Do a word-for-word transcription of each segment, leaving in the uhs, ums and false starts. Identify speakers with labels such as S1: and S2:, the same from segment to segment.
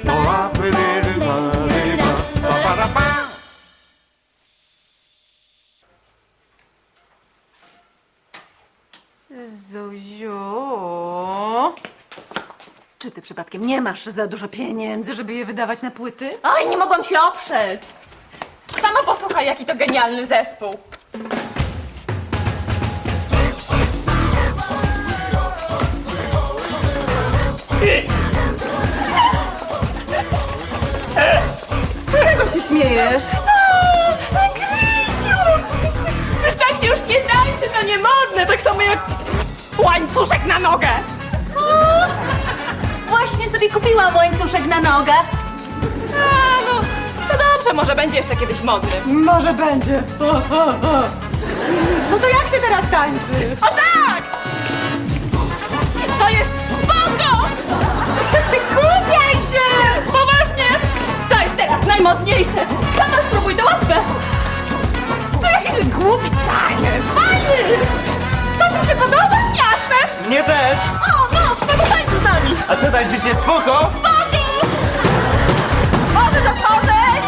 S1: Zuziu, czy ty przypadkiem nie masz za dużo pieniędzy, żeby je wydawać na płyty?
S2: Oj, nie mogłam się oprzeć. Sama posłuchaj, jaki to genialny zespół.
S1: Z czego się śmiejesz?
S2: Krysiu! Już tak się już nie tańczy, to nie modne, tak samo jak łańcuszek na nogę.
S1: Właśnie sobie kupiłam łańcuszek na nogę.
S2: A, no, to dobrze, może będzie jeszcze kiedyś modny.
S1: Może będzie. No to jak się teraz tańczy?
S2: O tak! To jest spoko! Kupiaj się! Poważnie! To jest teraz najmodniejsze! Sama spróbuj, to łatwe! To jakiś głupi taniec! Fajny! To mi się podoba? Jasne!
S3: Mnie też!
S2: O, no, no to tańcz z nami!
S3: A co, tańczycie spoko?
S2: Możesz otworzyć!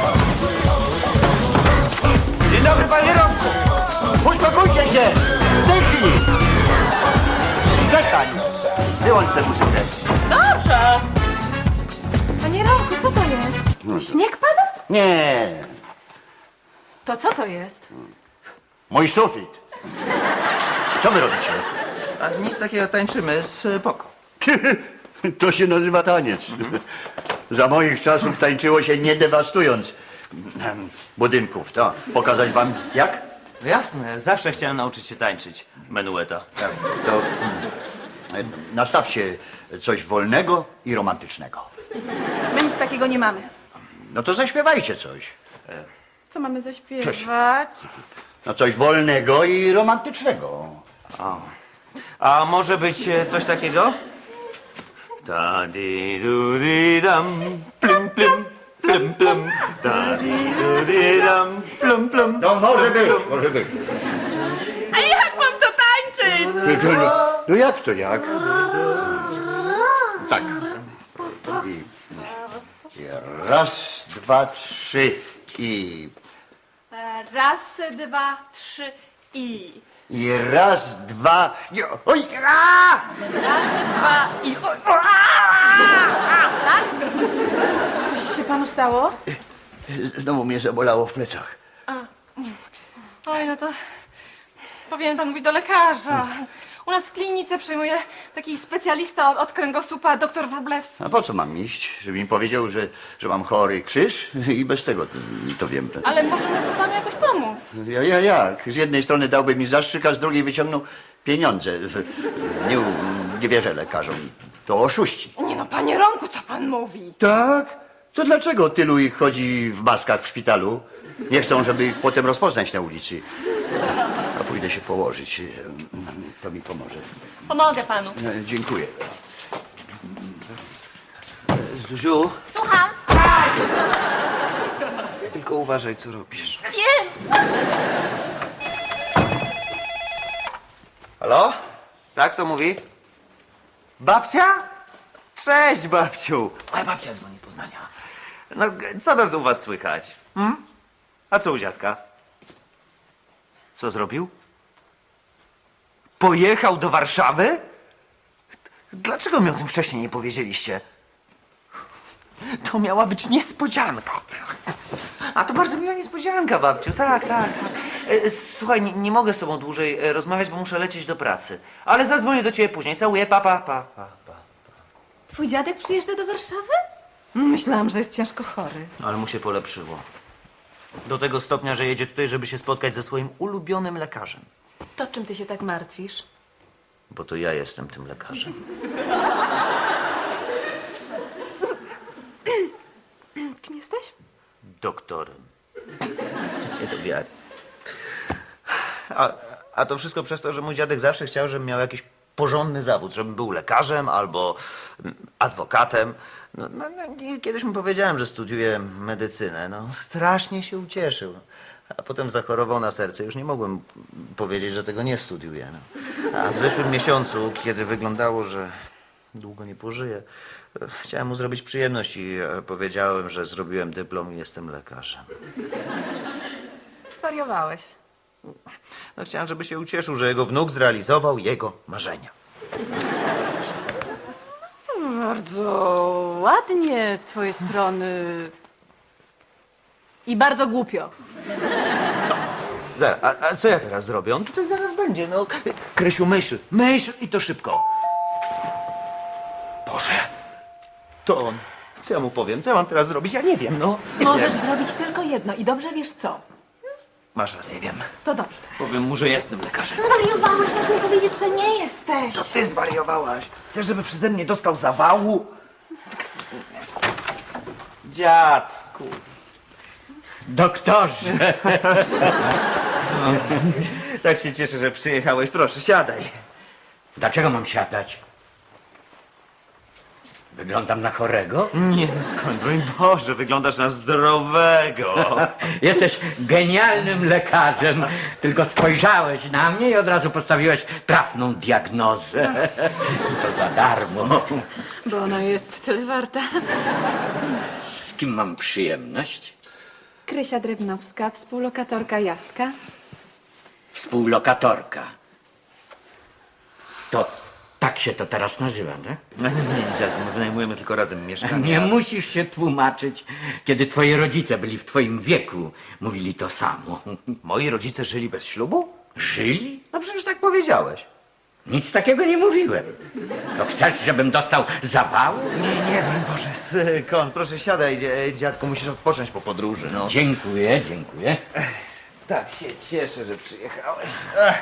S3: Dzień dobry, panie Romku! Uspokójcie się! W tej chwili! Przestań! Wyłącz tę muzykę.
S2: Dobrze!
S1: Panie Romku, co to jest? Śnieg pada?
S3: Nie,
S1: To co to jest?
S3: mój sufit. Co wy robicie?
S4: A nic takiego, tańczymy z poko.
S3: To się nazywa taniec. Za moich czasów tańczyło się nie dewastując em, budynków. To pokazać wam jak?
S4: No jasne, zawsze chciałem nauczyć się tańczyć. Menueta.
S3: Tak, to em, nastawcie coś wolnego i romantycznego.
S1: My nic takiego nie mamy.
S3: No to zaśpiewajcie coś.
S1: Co mamy zaśpiewać?
S3: No coś wolnego i romantycznego.
S4: A może być e, coś takiego? Ta di du di dam, plum plum, plum plum. Ta di du di dam, plum plum.
S3: No może być, może być.
S2: A jak mam to tańczyć?
S3: No, no, no jak to jak? Tak. I, i raz, dwa, trzy i...
S2: Raz, dwa, trzy i...
S3: I raz, dwa... Nie, oj! A!
S2: Raz, dwa i... O, o, a! Tak?
S1: Coś się panu stało?
S3: Znowu mnie zabolało w plecach.
S2: Oj, no to powinien pan mówić do lekarza. U nas w klinice przyjmuje taki specjalista od, od kręgosłupa, doktor Wróblewski.
S3: A po co mam iść? Żeby mi powiedział, że, że mam chory krzyż? I bez tego to, to wiem.
S2: Ale możemy panu jakoś pomóc.
S3: Ja, ja jak? Z jednej strony dałby mi zastrzyk, a z drugiej wyciągnął pieniądze. Nie, nie wierzę lekarzom. To oszuści.
S2: Nie no, panie Romku, co pan mówi?
S3: Tak? To dlaczego tylu ich chodzi w maskach w szpitalu? Nie chcą, żeby ich potem rozpoznać na ulicy. A pójdę się położyć. To mi pomoże.
S2: Pomogę panu.
S3: E, Dziękuję.
S4: Zuziu,
S2: Słucham.
S4: tylko uważaj, co robisz.
S2: Wiem.
S4: Halo? Tak, to mówi? Babcia? Cześć, babciu. Moja babcia dzwoni z Poznania. No, g- co tam u was słychać? Hmm? A co u dziadka? Co zrobił? Pojechał do Warszawy? Dlaczego mi o tym wcześniej nie powiedzieliście? To miała być niespodzianka. A to bardzo miła niespodzianka, babciu. Tak, tak, tak. E, Słuchaj, nie, nie mogę z tobą dłużej e, rozmawiać, bo muszę lecieć do pracy. Ale zadzwonię do ciebie później. Całuję, pa, pa, pa, pa, pa.
S1: Twój dziadek przyjeżdża do Warszawy? Myślałam, że jest ciężko chory.
S4: Ale mu się polepszyło. Do tego stopnia, że jedzie tutaj, żeby się spotkać ze swoim ulubionym lekarzem.
S1: To czym ty się tak martwisz?
S4: Bo to ja jestem tym lekarzem.
S1: Kim jesteś?
S4: Doktorem. Nie to wiary. A, a to wszystko przez to, że mój dziadek zawsze chciał, żebym miał jakiś porządny zawód, żebym był lekarzem albo mm, adwokatem. No, no, no, i kiedyś mu powiedziałem, że studiuję medycynę. No, strasznie się ucieszył. A potem zachorował na serce. Już nie mogłem powiedzieć, że tego nie studiuję. No. A w zeszłym miesiącu, kiedy wyglądało, że, długo nie pożyje. Chciałem mu zrobić przyjemność i e, powiedziałem, że zrobiłem dyplom i jestem lekarzem.
S2: Zwariowałeś.
S4: No, chciałem, żeby się ucieszył, że jego wnuk zrealizował jego marzenia.
S1: Bardzo ładnie z twojej strony. I bardzo głupio.
S4: Zaraz, a, a co ja teraz zrobię? On tutaj zaraz będzie, no. Krysiu, myśl, myśl i to szybko. Boże, to on. Co ja mu powiem? Co ja mam teraz zrobić? Ja nie wiem, no. Nie
S1: Możesz
S4: wiem.
S1: zrobić tylko jedno i dobrze wiesz co.
S4: Masz rację, wiem.
S1: To dobrze.
S4: Powiem mu, że jestem lekarzem.
S1: Zwariowałeś, masz mi powiedzieć, że nie jesteś.
S4: To ty zwariowałaś. Chcesz, żeby przeze mnie dostał zawału? Dziadku.
S5: Doktorze!
S4: Tak się cieszę, że przyjechałeś. Proszę, siadaj.
S5: Dlaczego mam siadać? Wyglądam na chorego?
S4: Nie no, skąd, broń Boże, wyglądasz na zdrowego.
S5: Jesteś genialnym lekarzem. Tylko spojrzałeś na mnie i od razu postawiłeś trafną diagnozę. I to za darmo.
S1: Bo ona jest tyle warta.
S5: Z kim mam przyjemność?
S6: Krysia Drewnowska, współlokatorka Jacka.
S5: Współlokatorka. To tak się to teraz nazywa, tak?
S4: No nie, nie, dziadku, my wynajmujemy tylko razem mieszkanie.
S5: Nie musisz się tłumaczyć, kiedy twoi rodzice byli w twoim wieku. Mówili to samo.
S4: Moi rodzice żyli bez ślubu?
S5: Żyli?
S4: No przecież tak powiedziałeś.
S5: Nic takiego nie mówiłem. No chcesz, żebym dostał zawału?
S4: Nie, nie, broń Boże, skąd? Proszę siadaj, dzie- dziadku, musisz odpocząć po podróży, no.
S5: Dziękuję, dziękuję.
S4: Tak się cieszę, że przyjechałeś. Ech.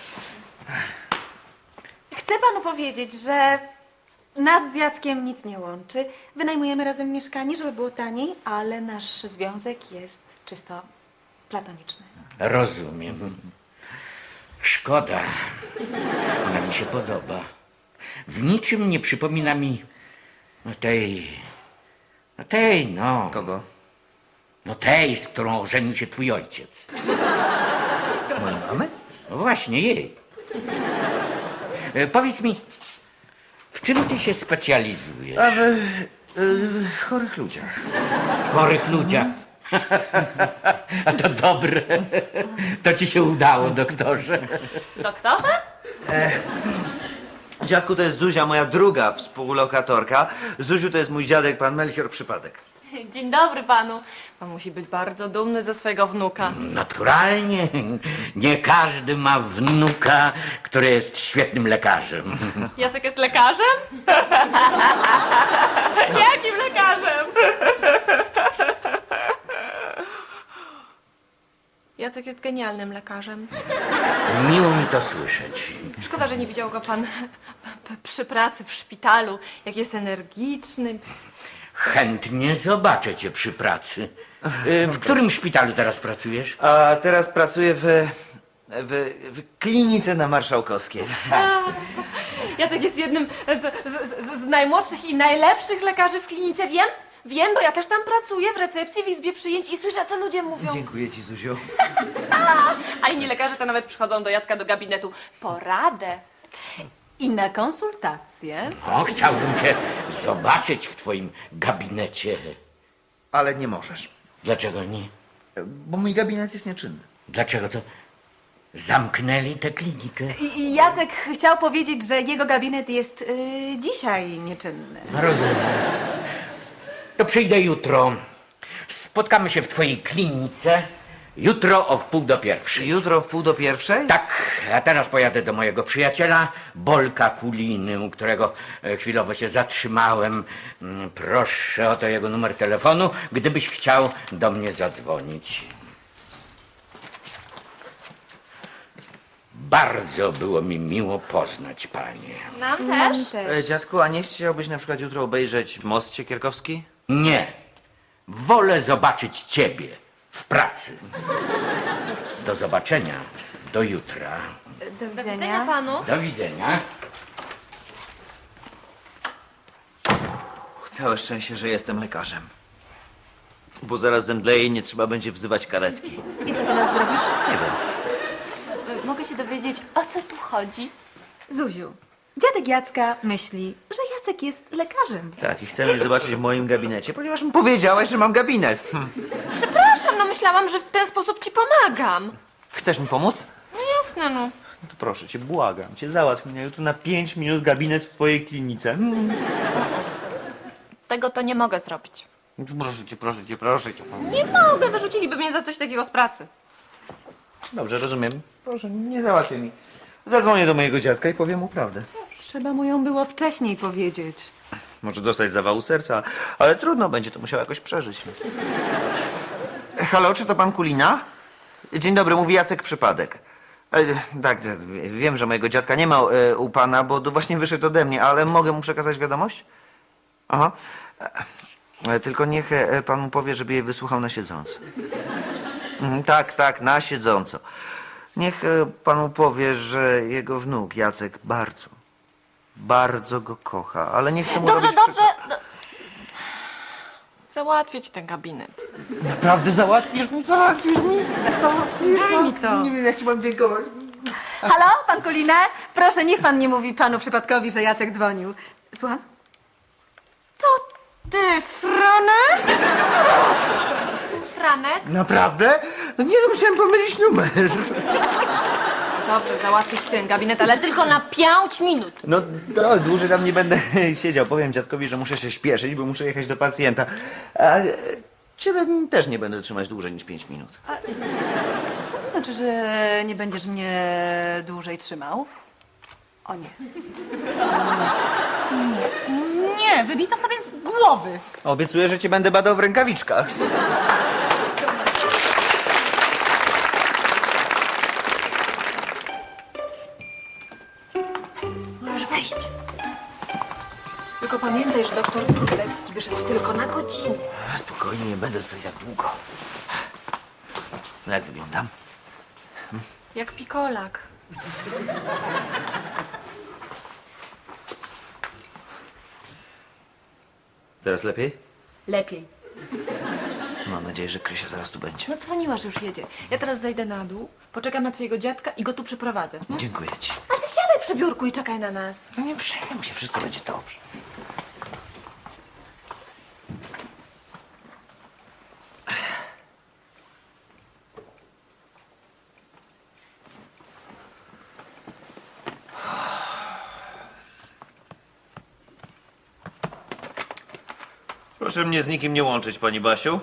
S6: Chcę panu powiedzieć, że nas z Jackiem nic nie łączy. Wynajmujemy razem mieszkanie, żeby było taniej, ale nasz związek jest czysto platoniczny.
S5: Rozumiem. Szkoda. Ona mi się podoba. W niczym nie przypomina mi no tej... No tej, no.
S4: Kogo?
S5: No tej, z którą ożenił się twój ojciec.
S4: Mojej mamy?
S5: No właśnie, jej. E, powiedz mi, w czym ty się specjalizujesz?
S4: A w, y, w chorych ludziach.
S5: W chorych ludziach. A to dobre. To ci się udało, doktorze.
S2: Doktorze?
S4: Dziadku, to jest Zuzia, moja druga współlokatorka. Zuziu to jest mój dziadek, pan Melchior Przypadek.
S2: Dzień dobry panu. Pan musi być bardzo dumny ze swojego wnuka.
S5: Naturalnie. Nie każdy ma wnuka, który jest świetnym lekarzem.
S2: Jacek jest lekarzem? Jakim lekarzem? Jacek jest genialnym lekarzem.
S5: Miło mi to słyszeć.
S2: Szkoda, że nie widział go pan p- p- przy pracy w szpitalu. Jak jest energiczny.
S5: Chętnie zobaczę cię przy pracy. Y, W którym szpitalu teraz pracujesz?
S4: A teraz pracuję w, w, w klinice na Marszałkowskiej.
S2: Jacek jest jednym z, z, z, z najmłodszych i najlepszych lekarzy w klinice. Wiem, wiem, bo ja też tam pracuję w recepcji, w izbie przyjęć i słyszę, co ludzie mówią.
S4: Dziękuję ci, Zuziu.
S2: A inni lekarze to nawet przychodzą do Jacka do gabinetu po radę.
S1: I na konsultację.
S5: O, chciałbym cię zobaczyć w twoim gabinecie.
S4: Ale nie możesz,
S5: Dlaczego nie?
S4: bo mój gabinet jest nieczynny.
S5: Dlaczego to zamknęli tę klinikę?
S6: I, i Jacek chciał powiedzieć, że jego gabinet jest y, dzisiaj nieczynny.
S5: No, rozumiem. To przyjdę jutro. Spotkamy się w twojej klinice jutro o wpół do pierwszej.
S4: Jutro w pół do pierwszej?
S5: Tak, a teraz pojadę do mojego przyjaciela Bolka Kuliny, u którego e, chwilowo się zatrzymałem. Mm, Proszę o to jego numer telefonu, gdybyś chciał do mnie zadzwonić. Bardzo było mi miło poznać panie.
S2: Nam
S6: Nam
S2: też?
S6: też.
S4: E, dziadku, a nie chciałbyś na przykład jutro obejrzeć Most Siekierkowski?
S5: Nie, wolę zobaczyć ciebie w pracy. Do zobaczenia, do jutra.
S6: Do
S2: Do widzenia
S6: widzenia.
S2: panu.
S5: Do widzenia.
S4: Całe szczęście, że jestem lekarzem. Bo zaraz zemdleję i nie trzeba będzie wzywać karetki.
S6: I co teraz zrobisz?
S4: Nie wiem.
S2: Mogę się dowiedzieć, o co tu chodzi?
S6: Zuziu, Dziadek Jacka myśli, że Jacek jest lekarzem.
S4: Tak, i chce mnie zobaczyć w moim gabinecie, ponieważ mu powiedziałaś, że mam gabinet. Hm.
S2: Przepraszam, no myślałam, że w ten sposób ci pomagam.
S4: Chcesz mi pomóc?
S2: No jasne, no.
S4: No to proszę cię, błagam cię, załatw mnie jutro na pięć minut gabinet w twojej klinice. Hmm.
S2: Tego to nie mogę zrobić.
S4: Proszę cię, proszę cię, proszę cię.
S2: Nie mogę, wyrzuciliby mnie za coś takiego z pracy.
S4: Dobrze, rozumiem. Proszę, nie załatwię mi. Zadzwonię do mojego dziadka i powiem mu prawdę.
S1: Trzeba mu ją było wcześniej powiedzieć.
S4: Może dostać zawału serca, ale trudno, będzie to musiał jakoś przeżyć. Halo, czy to pan Kulina? Dzień dobry, mówi Jacek Przypadek. E, tak, e, wiem, że mojego dziadka nie ma e, u pana, bo to właśnie wyszedł ode mnie, ale mogę mu przekazać wiadomość? Aha. E, tylko niech e, pan mu powie, żeby jej wysłuchał na siedząco. Mhm, tak, tak, na siedząco. Niech e, panu powie, że jego wnuk Jacek bardzo, bardzo go kocha, ale nie chce mu
S2: Dobrze,
S4: robić
S2: dobrze. Do... Załatwię ci ten gabinet.
S4: Naprawdę załatwisz mi? Załatwisz mi? Załatwisz?
S6: Daj mi to.
S4: Nie wiem, jak ci mam dziękować.
S6: Halo, pan Kulina? Proszę, niech pan nie mówi panu przypadkowi, że Jacek dzwonił. Słucham? To ty, Franek?
S2: Franek?
S4: Naprawdę? No nie, no musiałem pomylić numer.
S2: Dobrze, załatwię ci ten gabinet, ale tylko na pięć minut.
S4: No to dłużej tam nie będę siedział. Powiem dziadkowi, że muszę się śpieszyć, bo muszę jechać do pacjenta. A e, ciebie też nie będę trzymać dłużej niż pięć minut.
S1: Co to znaczy, że nie będziesz mnie dłużej trzymał? O nie. Nie, nie, wybij to sobie z głowy.
S4: Obiecuję, że cię będę badał w rękawiczkach.
S2: Możesz wejść. Tylko pamiętaj, że doktor Królewski wyszedł tylko na godzinę.
S4: Spokojnie, nie będę tutaj tak długo. No jak wyglądam?
S2: Jak pikolak.
S4: Teraz lepiej?
S2: Lepiej.
S4: Mam nadzieję, że Krysia zaraz tu będzie.
S2: No dzwoniła, że już jedzie. Ja teraz zejdę na dół, poczekam na twojego dziadka i go tu przyprowadzę. No?
S4: Dziękuję ci.
S2: A ty siadaj przy biurku i czekaj na nas.
S4: No nie przejmuj się, wszystko będzie dobrze. Proszę mnie z nikim nie łączyć, pani Basiu.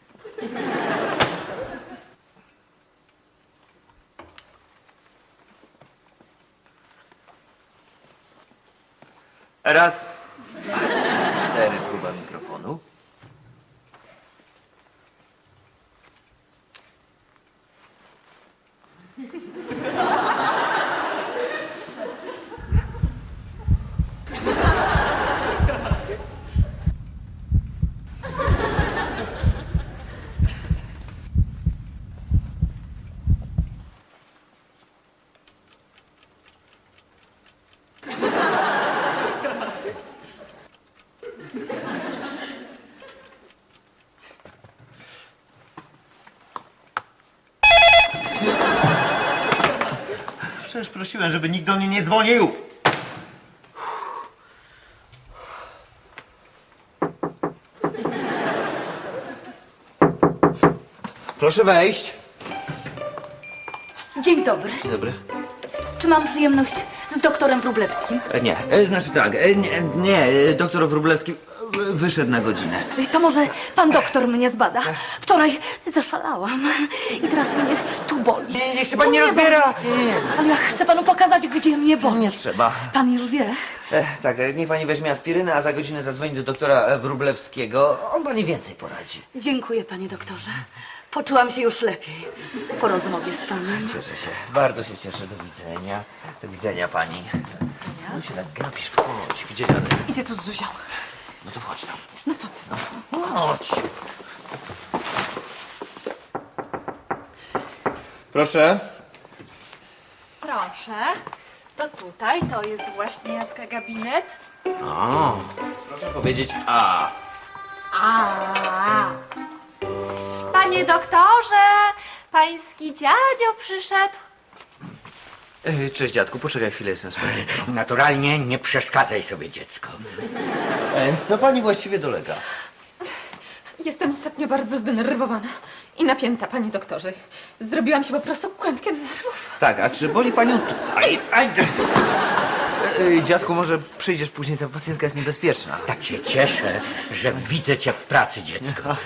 S4: Raz, dwa, trzy, cztery, próba mikrofonu. Przecież prosiłem, żeby nikt do mnie nie dzwonił. Proszę wejść.
S7: Dzień dobry.
S4: Dzień dobry.
S7: Czy mam przyjemność z doktorem Wróblewskim?
S4: E, Nie, e, znaczy tak, e, nie, nie, e, doktor Wróblewski e, wyszedł na godzinę.
S7: To może pan doktor mnie zbada. Wczoraj zaszalałam i teraz mnie tu boli.
S4: Nie, niech się
S7: Tu
S4: pan nie
S7: mnie
S4: rozbiera.
S7: boli.
S4: Nie, nie,
S7: Ale ja chcę panu pokazać, gdzie mnie boli.
S4: nie trzeba.
S7: Pan już wie.
S4: E, tak, e, niech pani weźmie aspirynę, a za godzinę zadzwoni do doktora e, Wróblewskiego. On pani więcej poradzi.
S7: Dziękuję, panie doktorze. Poczułam się już lepiej po rozmowie z panem.
S4: Cieszę się, bardzo się cieszę. Do widzenia. Do widzenia pani. No się tak gapisz, wchodź. Gdzie dalej?
S1: Idzie tu z Zuzią.
S4: No to wchodź tam.
S1: No co ty?
S4: No, chodź. Proszę.
S2: Proszę. To tutaj, to jest właśnie Jacka gabinet.
S4: O, proszę powiedzieć A.
S2: A. Panie doktorze, pański dziadzio przyszedł.
S4: E, Cześć dziadku, poczekaj chwilę, jestem z pacjentem.
S5: Naturalnie nie przeszkadzaj sobie, dziecko.
S4: E, Co pani właściwie dolega?
S6: Jestem ostatnio bardzo zdenerwowana i napięta, panie doktorze. Zrobiłam się po prostu kłębkę nerwów.
S4: Tak, a czy boli panią tutaj? Aj. E, e, Dziadku, może przyjdziesz później, ta pacjentka jest niebezpieczna.
S5: Tak się cieszę, że widzę cię w pracy, dziecko.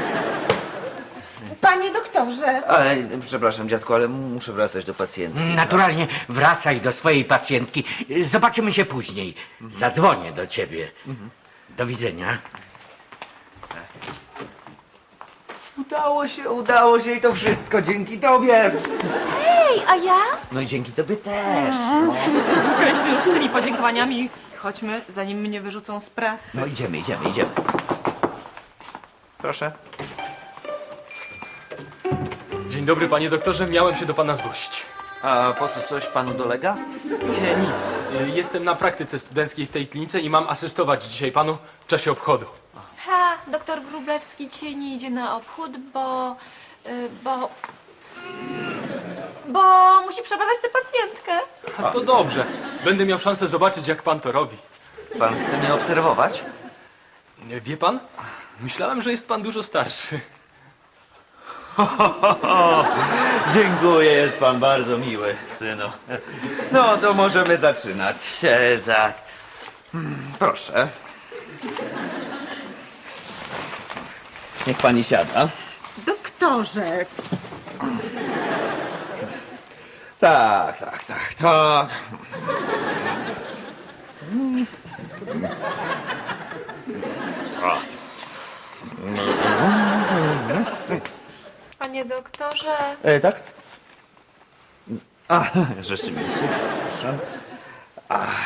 S6: Panie doktorze!
S4: Ale, przepraszam dziadku, ale muszę wracać do pacjentki.
S5: Naturalnie wracaj do swojej pacjentki. Zobaczymy się później. Zadzwonię do ciebie. Do widzenia.
S4: Udało się, udało się i to wszystko dzięki tobie.
S7: Ej, a ja?
S4: No i dzięki tobie też.
S2: Skończmy już z tymi podziękowaniami. Chodźmy, zanim mnie wyrzucą z pracy.
S4: No idziemy, idziemy, idziemy. Proszę.
S8: Dzień dobry, panie doktorze. Miałem się do pana zgłosić.
S4: A po co, coś panu dolega?
S8: Nie, nic. Y, Jestem na praktyce studenckiej w tej klinice i mam asystować dzisiaj panu w czasie obchodu.
S2: Ha, doktor Wróblewski dzisiaj nie idzie na obchód, bo... y, bo... Bo musi przebadać tę pacjentkę.
S8: A to dobrze. Będę miał szansę zobaczyć, jak pan to robi.
S4: Pan chce mnie obserwować?
S8: Y, Wie pan? Myślałem, że jest pan dużo starszy.
S4: Dziękuję, jest pan bardzo miły, synu. No to możemy zaczynać. E, tak. Hmm, Proszę. Niech pani siada.
S6: Doktorze!
S4: Tak, tak, tak, tak. Tak.
S2: Panie doktorze...
S4: E, tak? A, rzeczywiście, przepraszam. Ach.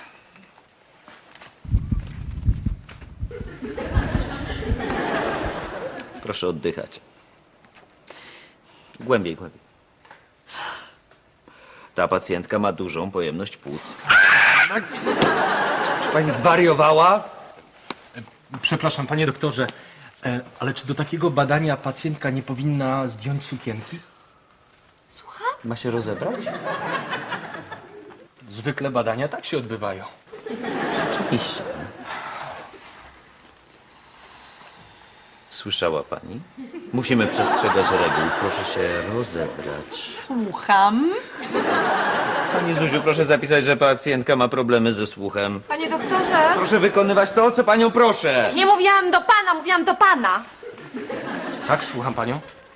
S4: Proszę oddychać. Głębiej, głębiej. Ta pacjentka ma dużą pojemność płuc. Czy pani zwariowała?
S8: Przepraszam, panie doktorze, e, ale czy do takiego badania pacjentka nie powinna zdjąć sukienki?
S4: Ma się rozebrać?
S8: Zwykle badania tak się odbywają.
S4: Rzeczywiście. Słyszała pani? Musimy przestrzegać reguł. Proszę się rozebrać.
S6: Słucham.
S4: Pani Zuziu, proszę zapisać, że pacjentka ma problemy ze słuchem.
S2: Panie doktorze...
S4: Proszę wykonywać to, o co panią proszę.
S2: Nie mówiłam do pana, mówiłam do pana.
S8: Tak, słucham panią.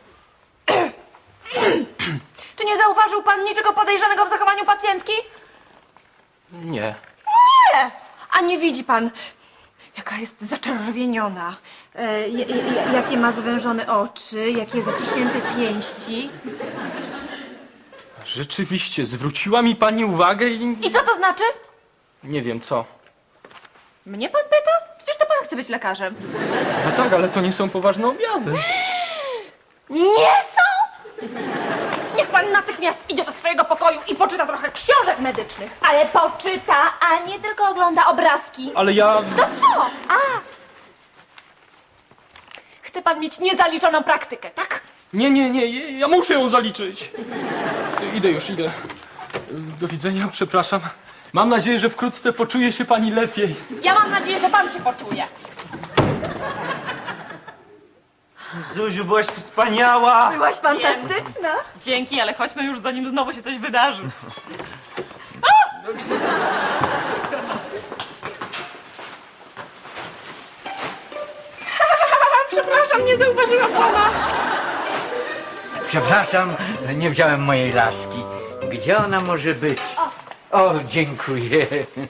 S2: Czy nie zauważył pan niczego podejrzanego w zachowaniu pacjentki?
S8: Nie.
S2: Nie! A nie widzi pan, jaka jest zaczerwieniona, e, j- j- jakie ma zwężone oczy, jakie zaciśnięte pięści.
S8: Rzeczywiście, zwróciła mi pani uwagę i...
S2: I co to znaczy?
S8: Nie wiem co.
S2: Mnie pan pyta? Przecież to pan chce być lekarzem.
S8: No tak, ale to nie są poważne objawy.
S2: Nie są! Niech pan natychmiast idzie do swojego pokoju i poczyta trochę książek medycznych. Ale poczyta, a nie tylko ogląda obrazki.
S8: Ale ja...
S2: To co? A! Chce pan mieć niezaliczoną praktykę, tak?
S8: Nie, nie, nie, ja muszę ją zaliczyć. Idę już, idę. Do widzenia, przepraszam. Mam nadzieję, że wkrótce poczuje się pani lepiej.
S2: Ja mam nadzieję, że pan się poczuje.
S4: Zuziu, byłaś wspaniała.
S6: Byłaś fantastyczna.
S2: Dzięki, ale chodźmy już, zanim znowu się coś wydarzy. Przepraszam, nie zauważyłam pana.
S5: Przepraszam, nie wziąłem mojej laski. Gdzie ona może być? O, dziękuję.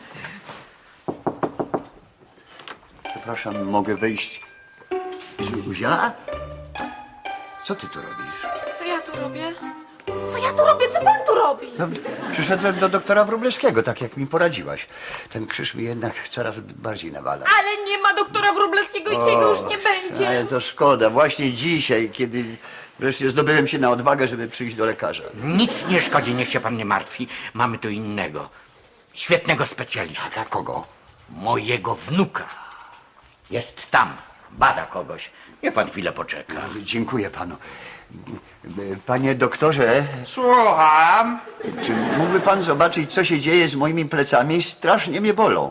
S3: Przepraszam, mogę wejść? Zuzia? Co ty tu robisz?
S2: Co ja tu robię? Co ja tu robię? Co pan tu robi?
S3: No, przyszedłem do doktora Wróblewskiego, tak jak mi poradziłaś. Ten krzyż mi jednak coraz bardziej nawala.
S2: Ale nie ma doktora Wróblewskiego i dzisiaj go już nie będzie.
S3: Ale to szkoda. Właśnie dzisiaj, kiedy wreszcie zdobyłem się na odwagę, żeby przyjść do lekarza.
S5: Nic nie szkodzi, niech się pan nie martwi. Mamy tu innego, świetnego specjalistę.
S3: Dla kogo?
S5: Mojego wnuka. Jest tam, Bada kogoś. Niech pan chwilę poczeka.
S3: Dziękuję panu. Panie doktorze,
S4: Słucham.
S3: czy mógłby pan zobaczyć, co się dzieje z moimi plecami? Strasznie mnie bolą.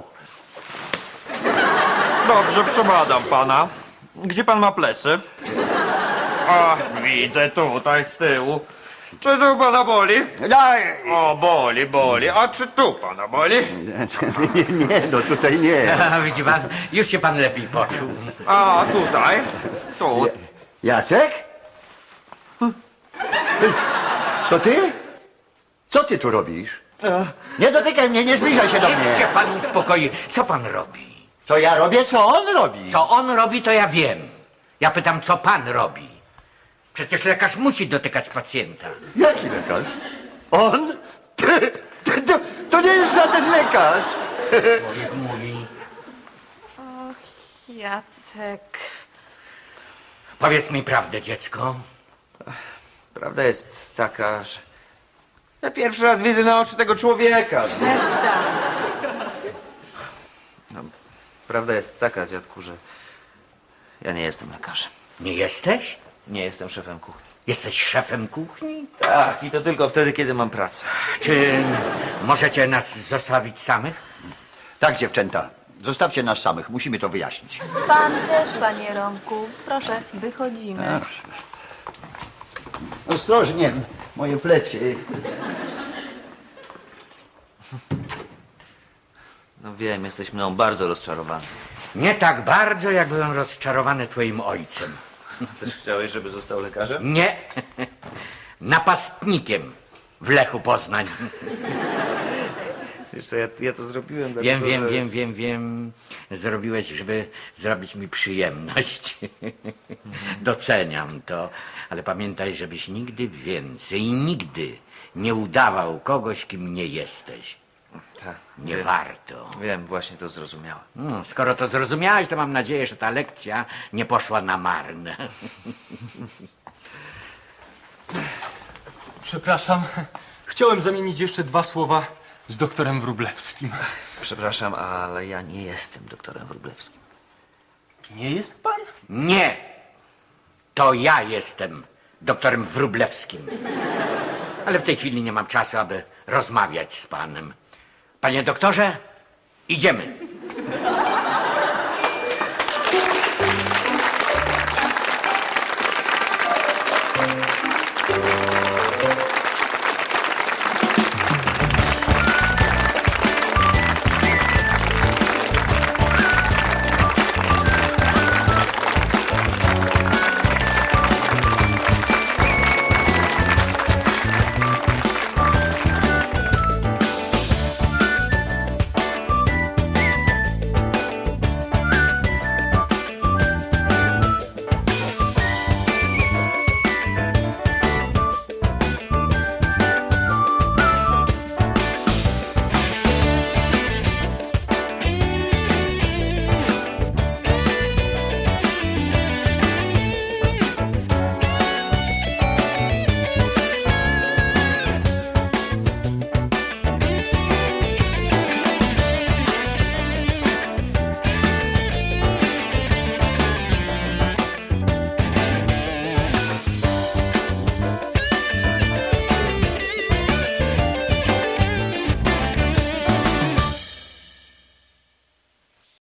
S9: Dobrze, przebadam pana. Gdzie pan ma plecy? A, widzę tutaj z tyłu. Czy tu pana boli?
S3: Daj!
S9: O, boli, boli. A czy tu pana boli?
S3: Nie, nie, no tutaj nie.
S5: A, widzi pan, już się pan lepiej poczuł.
S9: A, tutaj? Tu.
S3: Jacek? To ty? Co ty tu robisz? Nie dotykaj mnie, nie zbliżaj się do
S5: Niech się
S3: mnie.
S5: pan uspokoi. Co pan robi?
S3: Co ja robię, co on robi?
S5: Co on robi, to ja wiem. Ja pytam, co pan robi. Przecież lekarz musi dotykać pacjenta.
S3: Jaki lekarz? On? Ty, ty, to, to nie jest żaden lekarz.
S5: Człowiek mówi.
S6: Jacek.
S5: Powiedz mi prawdę, dziecko.
S4: Prawda jest taka, że ja pierwszy raz widzę na oczy tego człowieka.
S6: Przestań.
S4: Prawda jest taka, dziadku, że ja nie jestem lekarzem.
S5: Nie jesteś?
S4: Nie jestem szefem kuchni.
S5: Jesteś szefem kuchni?
S4: Tak, i to tylko wtedy, kiedy mam pracę.
S5: Czy możecie nas zostawić samych?
S3: Tak, dziewczęta, zostawcie nas samych, musimy to wyjaśnić.
S1: Pan też, panie Romku. Proszę, wychodzimy.
S3: Ostrożnie, moje plecy.
S4: No wiem, jesteś mną bardzo rozczarowany.
S5: Nie tak bardzo, jak byłem rozczarowany twoim ojcem.
S4: Też chciałeś, żeby został lekarzem?
S5: Nie. Napastnikiem w Lechu Poznań.
S4: Wiesz co, ja, ja to zrobiłem
S5: Wiem,
S4: dlatego,
S5: wiem,
S4: że...
S5: wiem, wiem, wiem. Zrobiłeś, żeby zrobić mi przyjemność. Doceniam to, ale pamiętaj, żebyś nigdy więcej, nigdy nie udawał kogoś, kim nie jesteś.
S4: Tak,
S5: Nie
S4: wiem,
S5: warto.
S4: wiem, właśnie to zrozumiałem.
S5: No, skoro to zrozumiałeś, to mam nadzieję, że ta lekcja nie poszła na marne.
S8: Przepraszam, chciałem zamienić jeszcze dwa słowa z doktorem Wróblewskim.
S4: Przepraszam, ale ja nie jestem doktorem Wróblewskim.
S8: Nie jest pan?
S5: Nie! To ja jestem doktorem Wróblewskim. Ale w tej chwili nie mam czasu, aby rozmawiać z panem. Panie doktorze, idziemy.